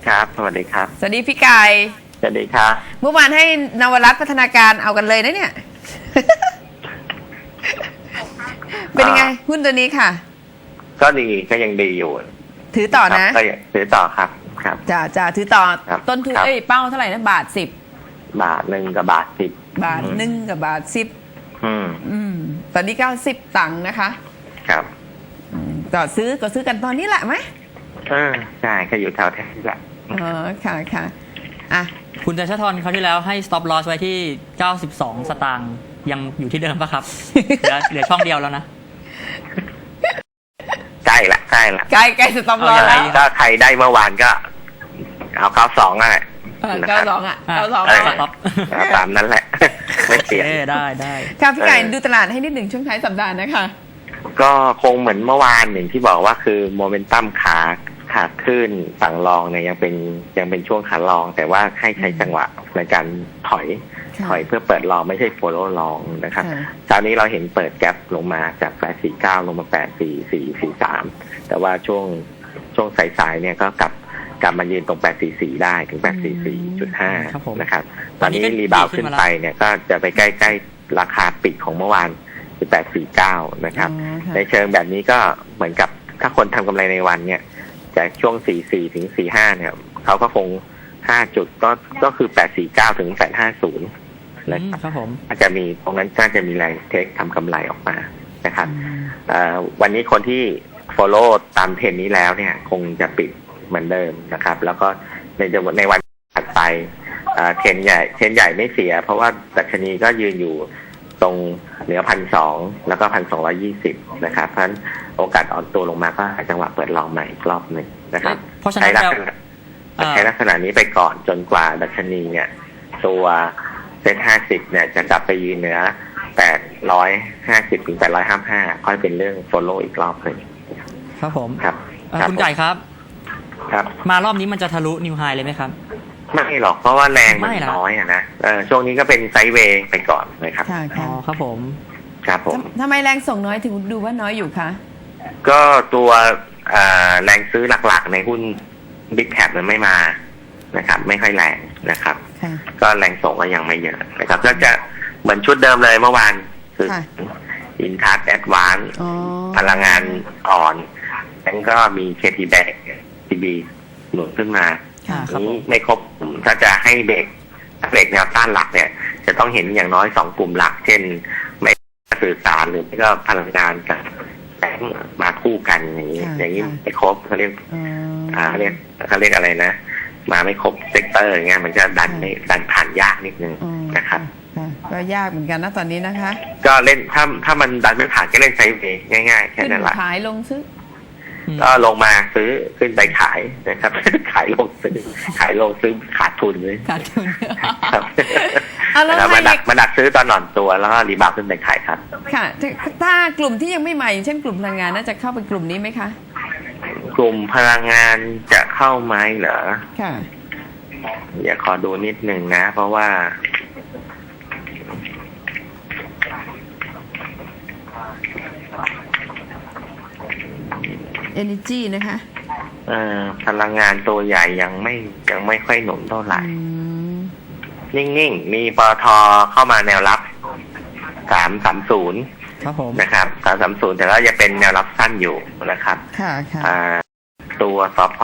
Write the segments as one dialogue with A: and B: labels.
A: ครับสวัสดีครับ
B: สวัสดีพี่ไก่
A: สวัสดีครับ
B: เมื่อวานให้นวรัตน์พัฒนาการเอากันเลยนะเนี่ย เป็นยังไงหุ้นตัวนี้ค่ะ
A: ก็ดีก็ยังดีอยู่
B: ถือต่อนะ
A: ก็ถือต่อครับครับ
B: จะถือต่อ ต้นทุนเป้าเท่าไหร่นะบาท 10
A: 1กับบาท 10
B: 1กับบาท 10ตอนนี้90 ตังค์นะคะ
A: ครับ
B: ก็ซื้อกันตอนนี้แหละไหม
A: ใช่ก็อยู่แถวนี้แหละ
B: ค่ะอ่ะ
C: คุณจัชทรคราวที่แล้วให้ stop loss ไว้ที่92 สตางค์ยังอยู่ที่เดิมปะครับ เหลือช่องเดียวแล้วนะ
A: ใกล้ละใก
B: ล้สต็อปลอสแล้ว
A: ก็ใครได้เมื่อวานก็เอา92นั่นแหละ
B: 92
A: ตามนั้นแหละไม่เปลี่ยน
C: ได้
B: ค่ะพี่ไก่ดูตลาดให้นิดหนึ่งช่วงท้ายสัปดาห์นะคะ
A: ก็คงเหมือนเมื่อวานหนึ่งที่บอกว่าคือโมเมนตัมขาขึ้นฝั่งรองเนี่ยยังเป็นช่วงขาลองแต่ว่าให้ใช้จังหวะในการถอยเพื่อเปิดรองไม่ใช่โฟลโล่รองนะครับเช้านี้เราเห็นเปิดแกปลงมาจาก849ลงมา84443แต่ว่าช่วงสายๆเนี่ยก็กลับมายืนตรง844ได้ถึง844.5นะครับตอนนี้รีบาวขึ้นไปเนี่ยก็จะไปใกล้ๆราคาปิดของเมื่อวานคือ849นะครับในเชิงแบบนี้ก็เหมือนกับถ้าคนทำกำไรในวันเนี่ยจากช่วง44ถึง45เนี่ยเขาก็คง5จุดก็คือ849ถึง850
C: นะครับผม
A: อาจจะมีตรงนั้นน่าจะมีแรงเทคทำกำไรออกมานะครับวันนี้คนที่ follow ตามเทรนนี้แล้วเนี่ยคงจะปิดเหมือนเดิมนะครับแล้วก็ในวันถัดไปเทรนใหญ่ไม่เสียเพราะว่าดัชนีก็ยืนอยู่ตรงเหนือ1,200แล้วก็1,220นะครับเพราะฉะนั้นโอกาสอ่อนตัวลงมาก็หาจังหวะเปิดลองใหม่อีกรอบหนึ่งนะครับใช้ลักษณะนี้ไปก่อนจนกว่าดัชนีเนี่ยตัวเซ็ต50เนี่ยจะกลับไปยืนเหนือ850ถึง855ค่อยเป็นเรื่องโฟลโล่อีกรอบหนึ่ง
C: ครับผม
A: ครับ
C: คุณไก่ครับมารอบนี้มันจะทะลุนิวไฮเลยไหมครับ
A: ไม่หรอกเพราะว่าแรงมันน้อยนะช่วงนี้ก็เป็นไซด์เวย์ไปก่อนนะครับ
C: อ๋อครับผม
B: ทำไมแรงส่งน้อยถึงดูว่าน้อยอยู่คะ
A: ก็ตัวแรงซื้อหลักๆในหุ้นบิ๊กแคปมันไม่มานะครับไม่ค่อยแรงนะครับก็แรงส่งก็ยังไม่เยอะนะครับก็จะเหมือนชุดเดิมเลยเมื่อวานคืออินทัสแอดวานซ์พลังงานอ่อนแล้วก็มี KT Bank TB หนุนขึ้นมานี้ไม่ครบถ้าจะให้เบรกแนวต้านหลักเนี่ยจะต้องเห็นอย่างน้อย2กลุ่มหลักเช่นไม่สื่อสารหรือไม่ก็พลังงานกับแบงค์มาคู่กันอย่างนี้ไม่ครบเขาเรียกอะไรนะมาไม่ครบเซกเตอร์อย่างเงี้ยมันจะดันผ่านยากนิดนึงนะครับ
B: ก็ยากเหมือนกันนะตอนนี้นะคะ
A: ก็เล่นถ้ามันดันไม่ผ่านก็เล่นไซด์เวย์ง่ายๆแค่นั้นแหละ
B: ขายลงซื้อ
A: ก็ลงมาซื้อขึ้นไปขายนะครับขายลงซื้อขาดทุนเลย
B: ครับ
A: มาดักซื้อตอนหน่อนตัวแล้วก็รีบาวขึ้นไปขายครับ
B: ค่ะถ้ากลุ่มที่ยังไม่มาอย่างเช่นกลุ่มพลังงานน่าจะเข้าเป็นกลุ่มนี้ไหมคะ
A: กลุ่มพลังงานจะเข้าไหมเหรอ
B: ค่ะ
A: อย่าขอดูนิดหนึ่งนะเพราะว่า
B: Energy นะคะ
A: พลังงานตัวใหญ่ยังไม่ค่อยหนุนเท่าไหร่นิ่งๆมีปตท.เข้ามาแนวรับ330
C: ครับผม
A: นะครับ330แต่ก็จะเป็นแนวรับสั้นอยู่นะครับ
B: ค่ะ
A: ตัวสผ.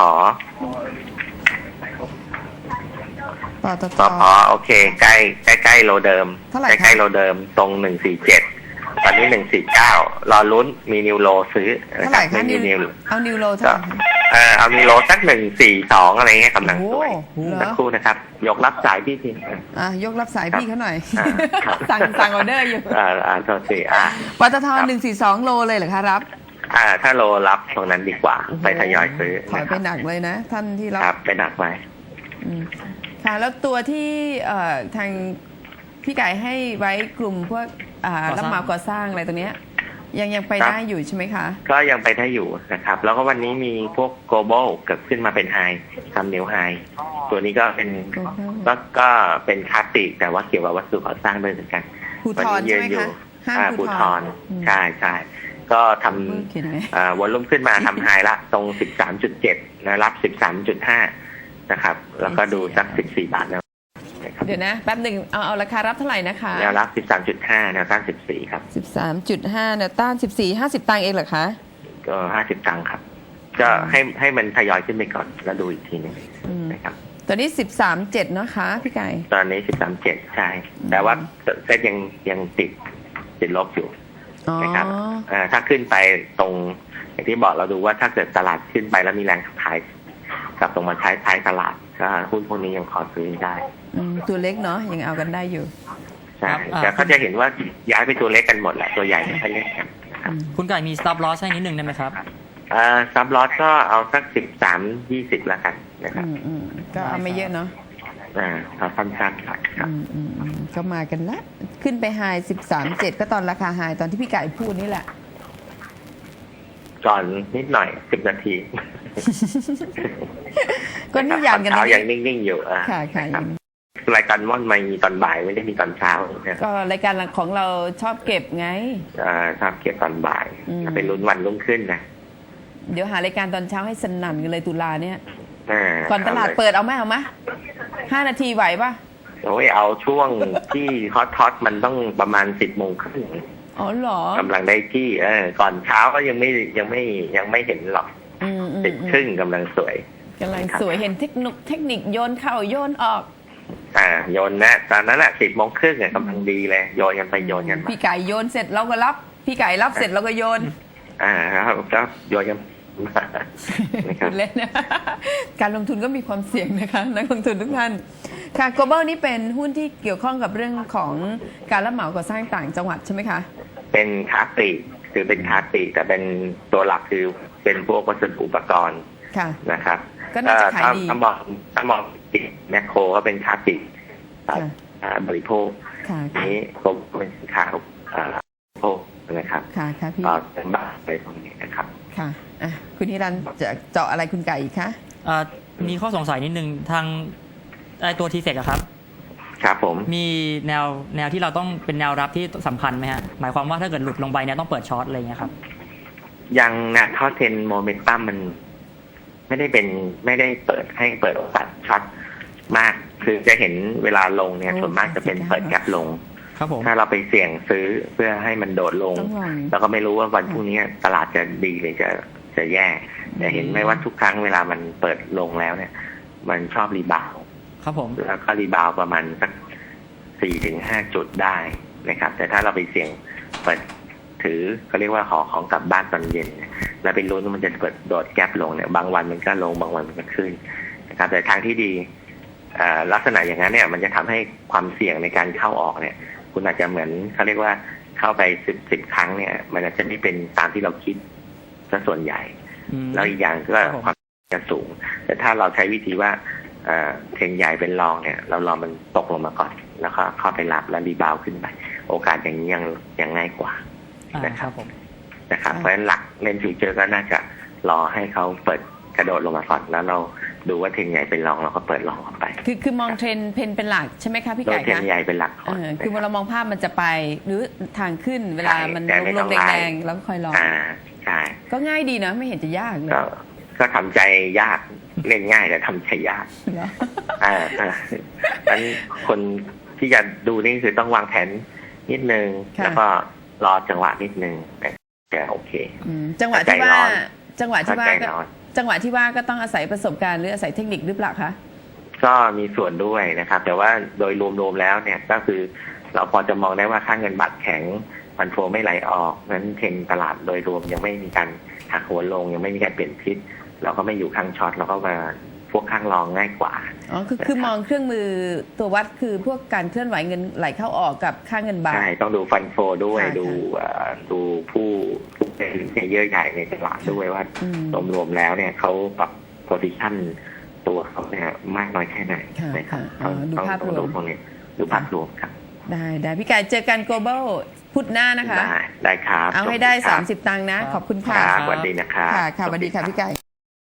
A: โอเคใกล้โลเดิมใกล้โลเดิมตรง147ตอนนี้149รอลุ้นมีนิวโลซื้อ
B: นะครับไม่มีนิวเอานิวโลเท่าไหร่
A: เอานิวโลสัก142อะไรเงี้ยกำลังสวยสักครู่นะครับยกรับสายพี่ที
B: ยกรับสายพี่เขาหน่อยสั่งออเดอร์อยู่
A: โทษที
B: ปตท142โลเลยเหรอคะรับ
A: ถ้าโลรับตรงนั้นดีกว่าไปทยอยซื้อ
B: ถอยไปหนักเลยนะท่านที่รับ
A: ไปหนักไป
B: ค่ะแล้วตัวที่ทางพี่ไก่ให้ไว้กลุ่มพวกรับเหมาก่อสร้างอะไรตัวเนี้ยยังไปได้อยู่ใช่ไหมคะ
A: ก็ยังไปได้อยู่นะครับแล้วก็วันนี้มีพวก global เกิดขึ้นมาเป็นไฮทำนิวไฮตัวนี้ก็เป็นคลาสสิกแต่ว่าเกี่ยวกับวัสดุก่อสร้างด้วยเหมือนกัน
B: วันนี้ยืนอยู่
A: ภูทรใช่ก็ทำวอลลุ่มขึ้นมาทำไฮละตรง 13.7 นะรับ 13.5 นะครับ แล้วก็ดูสัก14 บาทนะครับ
B: เดี๋ยวนะแป๊บหนึ่งเอาราคารับเท่าไหร่นะคะ
A: แนวรับ 13.5 แนวต้าน 14 ครับ
B: 13.5แนวต้าน14 50 ตังค์เองเหรอคะ
A: ก็50 ตังค์ครับ ก็ให้มันทยอยขึ้นไปก่อนแล้วดูอีกทีหนึงนะครับ
B: ตอนนี้ 13.7เนาะคะพี่ไก่
A: ตอนนี้ 13.7 ใช่ แต่ว่าเซ็ตยังติดลบอยู่
B: อ๋อ
A: นะครับถ้าขึ้นไปตรงอย่างที่บอกเราดูว่าถ้าเกิดตลาดขึ้นไปแล้วมีแรงขายกลับตรงมาท้ายตลาดก็หุ้นพวกนี้ยังขอซื้อได้
B: ตัวเล็กเนาะยังเอากันได้อยู่
A: ใช่แต่ก็จะเห็นว่าย้ายไปตัวเล็กกันหมดแหละตัวใหญ่ไม่ค่อยเล่นกันนะครับ
C: คุณไก่มี stop loss ให้นิดนึงได้ไหมครับ
A: ซับลอสก็เอาสัก13-20แล้วกันนะครับ
B: ก็เอาไม่เยอะเนาะ
A: เอาสั้นๆครับ
B: ก็มากันละขึ้นไปไฮ13.7ก็ตอนราคาไฮตอนที่พี่ไก่พูดนี่แหละ
A: ก่อนนิดหน่อย10 นาที
B: ก็นี่ยานกัน
A: เช้ายังนิ่งๆอยู่
B: ค่ะค่ะ
A: รายการม่อนไม่มีตอนบ่ายไม่ได้มีตอนเช้า
B: ก็รายการของเราชอบเก็บไง
A: ชอบเก็บตอนบ่ายเป็นลุ้นวันรุ่งขึ้นนะ
B: เดี๋ยวหารายการตอนเช้าให้สนั่นกันเลยตุลาเนี่ย ก่อนตลาด
A: เ
B: เปิดเอาไหม5 นาทีไหวปะ
A: โอ้ยเอาช่วงที่ฮอตมันต้องประมาณ10 โมงครึ่ง
B: อ๋อเหรอก
A: ำลังได้ที่ก่อนเช้าก็ยังไม่เห็นหรอก10 ครึ่งกำลังสวย
B: กำลังสวยเห็นเทคนิคโยนเข้าโยนออก
A: โยนนะตอนนั้นอะ10 โมงครึ่งกำลังดีเลยโยนกันไปโยนกันมา
B: พี่ไก่โยนเสร็จเราก็รับ พี่ไก่รับเสร็จเราก็โยน
A: ครับก็โยนกันมานะครับ
B: เล่นนะ การลงทุนก็มีความเสี่ยงนะคะนักลงทุนทุกท่านค่ะ global นี่เป็นหุ้นที่เกี่ยวข้องกับเรื่องของการรับเหมาก่อสร้างต่างจังหวัดใช่ไหมคะ
A: เป็นค้าปลีกคือเป็นค้าปลีกแต่เป็นตัวหลักคือเป็นพวกวัสดุอุปกรณ์
B: ค่ะ
A: นะครับ
B: ก็น่าจะขายดี
A: ถ้ามองแมคโครก็เป็นค้าปลีกบริโภค
B: ค่ะ
A: นี้ก็เป็นสินค้าโภคนะครับ
B: ค่ะค่ะพี่
A: เป็นบ้านอะไรพวกนี้นะครับ
B: ค่ะคุณนิรันดร์จะเจาะอะไรคุณไก่อีกคะ
C: มีข้อสงสัยนิดนึงทางตัวทีเฟกครับ
A: ครับผม
C: มีแนวที่เราต้องเป็นแนวรับที่สำคัญไหมฮะหมายความว่าถ้าเกิดหลุดลงไปเนี่ยต้องเปิดช็อตอะไรอย่างเงี้ยครับ
A: ยังนะท่อเทนโมเมนตัมมันไม่ได้เปิดให้เปิดโอกาสช็อตมาก คือจะเห็นเวลาลงเนี่ยส่วนมากจะเป็นเปิดแกปลง
C: ครับผม
A: ถ้าเราไปเสี่ยงซื้อเพื่อให้มันโดดลง แล้วก็ไม่รู้ว่าวันพรุ่งนี้ตลาดจะดีหรือจะแย่แต่เห็นไหมว่าทุกครั้งเวลามันเปิดลงแล้วเนี่ย มันชอบรีบาวด์
C: ครับผม
A: แล้วก็รีบาวด์ประมาณสัก4-5 จุดได้นะครับ แต่ถ้าเราไปเสี่ยงเปิดถือเขาเรียกว่าของกลับบ้านตอนเย็นแล้วเป็นลุ้นว่ามันจะเปิดโดดแกปลงเนี่ยบางวันมันก็ลงบางวันมันก็ขึ้นนะครับแต่ทางที่ดีลักษณะอย่างนั้นเนี่ยมันจะทำให้ความเสี่ยงในการเข้าออกเนี่ยคุณอาจจะเหมือนเขาเรียกว่าเข้าไป10 ครั้งเนี่ยมันอาจจะไม่เป็นตามที่เราคิดซะส่วนใหญ่แล้วอีกอย่างก็ความจะสูงแต่ถ้าเราใช้วิธีว่าเทรนใหญ่เป็นรองเนี่ยเรารอมันตกลงมาก่อนแล้วก็เข้าไปรับแล้วรีบาวขึ้นไปโอกาสอย่างนี้ยังง่ายกว่านะครับเพราะฉะนั้นหลักเล่นฟิวเจอร์ก็น่าจะรอให้เขาเปิดกระโดดลงมาก่อนแล้วเราดูว่าเทรนใหญ่เป็นรองเราก็เปิดรองออกไป
B: คือมองเทรนเป็นหลักใช่ไหมคะพี่ไก่คะ
A: เทรนใหญ่เป็นหลักก่อน
B: คือเรามองภาพมันจะไปหรือทางขึ้นเวลามันลงแรงๆแล้วก็คอยรอ
A: ใช่
B: ก็ง่ายดีนะไม่เห็นจะยากเลย
A: ก็ทำใจยากเล่นง่ายแต่ทำใจยากนั้นคนที่จะดูนี่คือต้องวางแผนนิดนึงแล้วก็รอจังหวะนิดนึงแต่โอเค
B: จังหวะที่ว่าก็ต้องอาศัยประสบการณ์หรืออาศัยเทคนิคหรือเปล่าคะ
A: ก็มีส่วนด้วยนะครับแต่ว่าโดยรวมๆแล้วเนี่ยก็คือเราพอจะมองได้ว่าค่าเงินบาทแข็งฟันโฟไม่ไหลออกนั้นเทรนตลาดโดยรวมยังไม่มีการหักหัวลงยังไม่มีการเปลี่ยนทิศเราก็ไม่อยู่ข้างช็อตเราก็มาพวกข้างรองง่ายกว่า
B: คือมองเครื่องมือตัววัดคือพวกการเคลื่อนไหวเงินไหลเข้าออกกับค่าเงินบาท
A: ใช่ต้องดูฟันโฟด้วยดูผู้เป็นเยอะใหญ่ในตลาดด้วยว่ารวมๆแล้วเนี่ยเขาปรับโพซิชั่นตัวเขาเนี่ยมากน้อยแค่ไหนนะครับต้องดูพวกนี้ดูภาพรวมครับ
B: ได้พี่ไก่เจอกัน global พุธหน้านะคะ
A: ได้ครับ
B: เอาให้ได้30 ตังค์นะขอบคุณค่ะ
A: สวัสดีนะครับ
B: ค่ะสวัสดีค่ะพี่ไก่